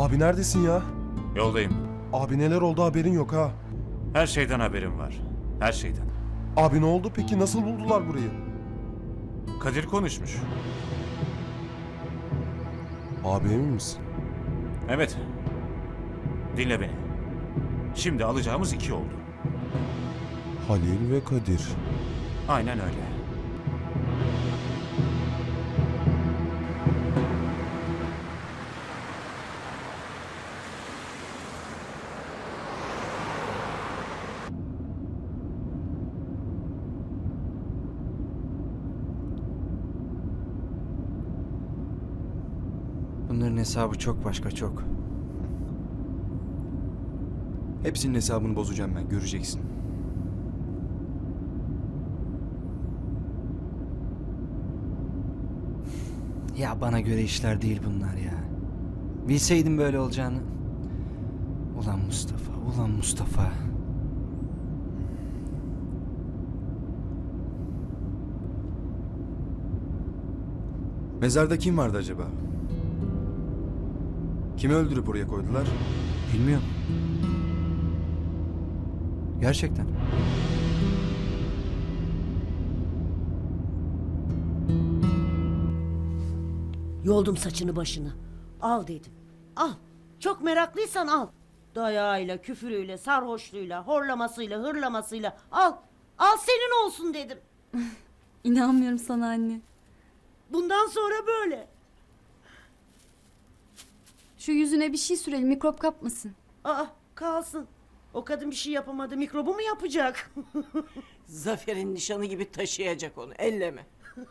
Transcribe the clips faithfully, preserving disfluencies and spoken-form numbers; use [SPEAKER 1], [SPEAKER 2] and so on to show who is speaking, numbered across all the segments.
[SPEAKER 1] Abi neredesin ya?
[SPEAKER 2] Yoldayım.
[SPEAKER 1] Abi neler oldu haberin yok ha.
[SPEAKER 2] Her şeyden haberim var. Her şeyden.
[SPEAKER 1] Abi ne oldu peki? Nasıl buldular burayı?
[SPEAKER 2] Kadir konuşmuş.
[SPEAKER 1] Abi emin misin?
[SPEAKER 2] Evet. Dinle beni. Şimdi alacağımız iki oldu.
[SPEAKER 1] Halil ve Kadir.
[SPEAKER 2] Aynen öyle.
[SPEAKER 3] Bunların hesabı çok başka, çok. Hepsinin hesabını bozacağım ben, göreceksin. Ya bana göre işler değil bunlar ya. Bilseydim böyle olacağını. Ulan Mustafa, ulan Mustafa.
[SPEAKER 4] Mezarda kim vardı acaba? Kimi öldürüp oraya koydular?
[SPEAKER 3] Bilmiyorum. Gerçekten.
[SPEAKER 5] Yoldum saçını başını. Al dedim. Al. Çok meraklıysan al. Dayağıyla, küfürüyle, sarhoşluğuyla, horlamasıyla, hırlamasıyla al. Al senin olsun dedim.
[SPEAKER 6] İnanmıyorum sana anne.
[SPEAKER 5] Bundan sonra böyle.
[SPEAKER 6] Şu yüzüne bir şey sürelim, mikrop kapmasın.
[SPEAKER 5] Aa kalsın. O kadın bir şey yapamadı. Mikrobu mu yapacak?
[SPEAKER 7] Zafer'in nişanı gibi taşıyacak onu. Elleme.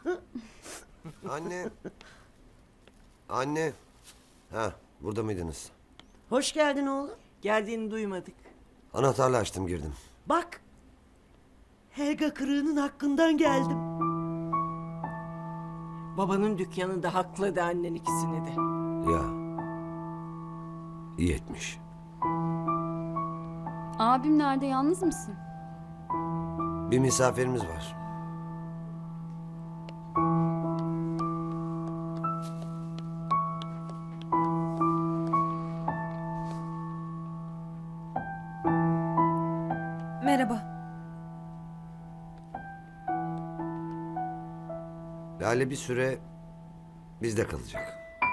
[SPEAKER 8] Anne. Anne. Ha, burada mıydınız?
[SPEAKER 5] Hoş geldin oğlum.
[SPEAKER 7] Geldiğini duymadık.
[SPEAKER 8] Anahtarla açtım girdim.
[SPEAKER 5] Bak. Helga kırığının hakkından geldim.
[SPEAKER 7] Babanın dükkanında hakladı annen ikisini de.
[SPEAKER 8] Ya. İyi etmiş.
[SPEAKER 6] Abim nerede, yalnız mısın?
[SPEAKER 8] Bir misafirimiz var.
[SPEAKER 9] Merhaba.
[SPEAKER 8] Lale bir süre bizde kalacak.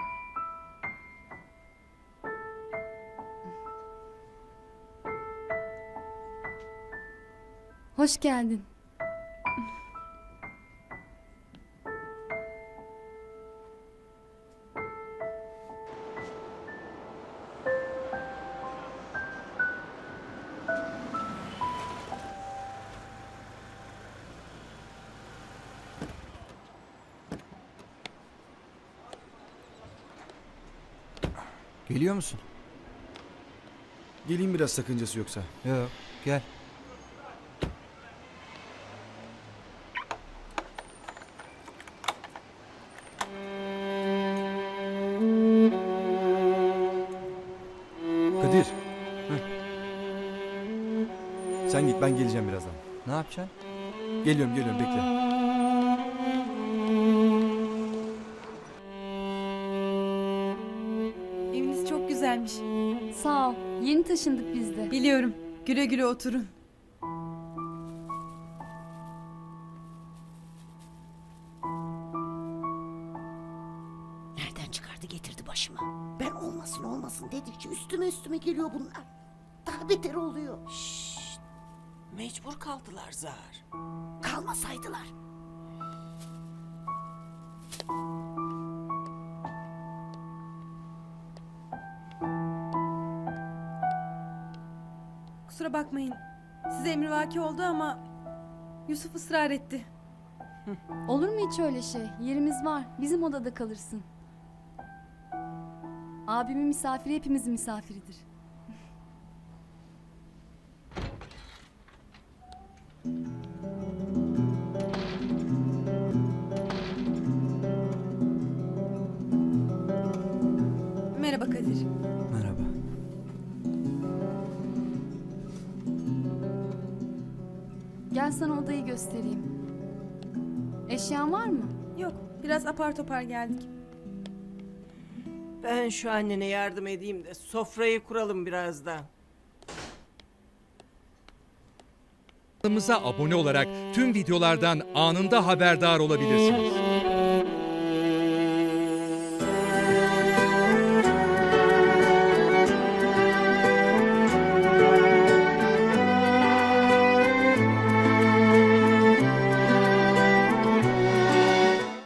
[SPEAKER 6] Hoş geldin.
[SPEAKER 3] Geliyor musun?
[SPEAKER 4] Geleyim biraz, sakıncası yoksa.
[SPEAKER 3] Yok, gel.
[SPEAKER 4] Kadir. Sen git, ben geleceğim birazdan.
[SPEAKER 3] Ne yapacaksın?
[SPEAKER 4] Geliyorum geliyorum, bekle.
[SPEAKER 9] Eviniz çok güzelmiş.
[SPEAKER 6] Sağ ol. Yeni taşındık biz de.
[SPEAKER 9] Biliyorum. Güle güle oturun.
[SPEAKER 5] Nereden çıkardı getirdi başıma. Ben olmasın olmasın dedikçe üstüme üstüme geliyor bunlar. Daha beter oluyor.
[SPEAKER 7] Şşt. Mecbur kaldılar Zahar.
[SPEAKER 5] Kalmasaydılar.
[SPEAKER 9] Kusura bakmayın. Size emrivaki oldu ama Yusuf ısrar etti.
[SPEAKER 6] Olur mu hiç öyle şey? Yerimiz var. Bizim odada kalırsın. Abimin misafiri hepimizin misafiridir.
[SPEAKER 9] Merhaba Kadir.
[SPEAKER 3] Merhaba.
[SPEAKER 6] Gel sana odayı göstereyim. Eşyan var mı?
[SPEAKER 9] Yok, biraz apar topar geldik.
[SPEAKER 7] Ben şu annene yardım edeyim de sofrayı kuralım birazdan.
[SPEAKER 10] Kanalımıza abone olarak tüm videolardan anında haberdar olabilirsiniz.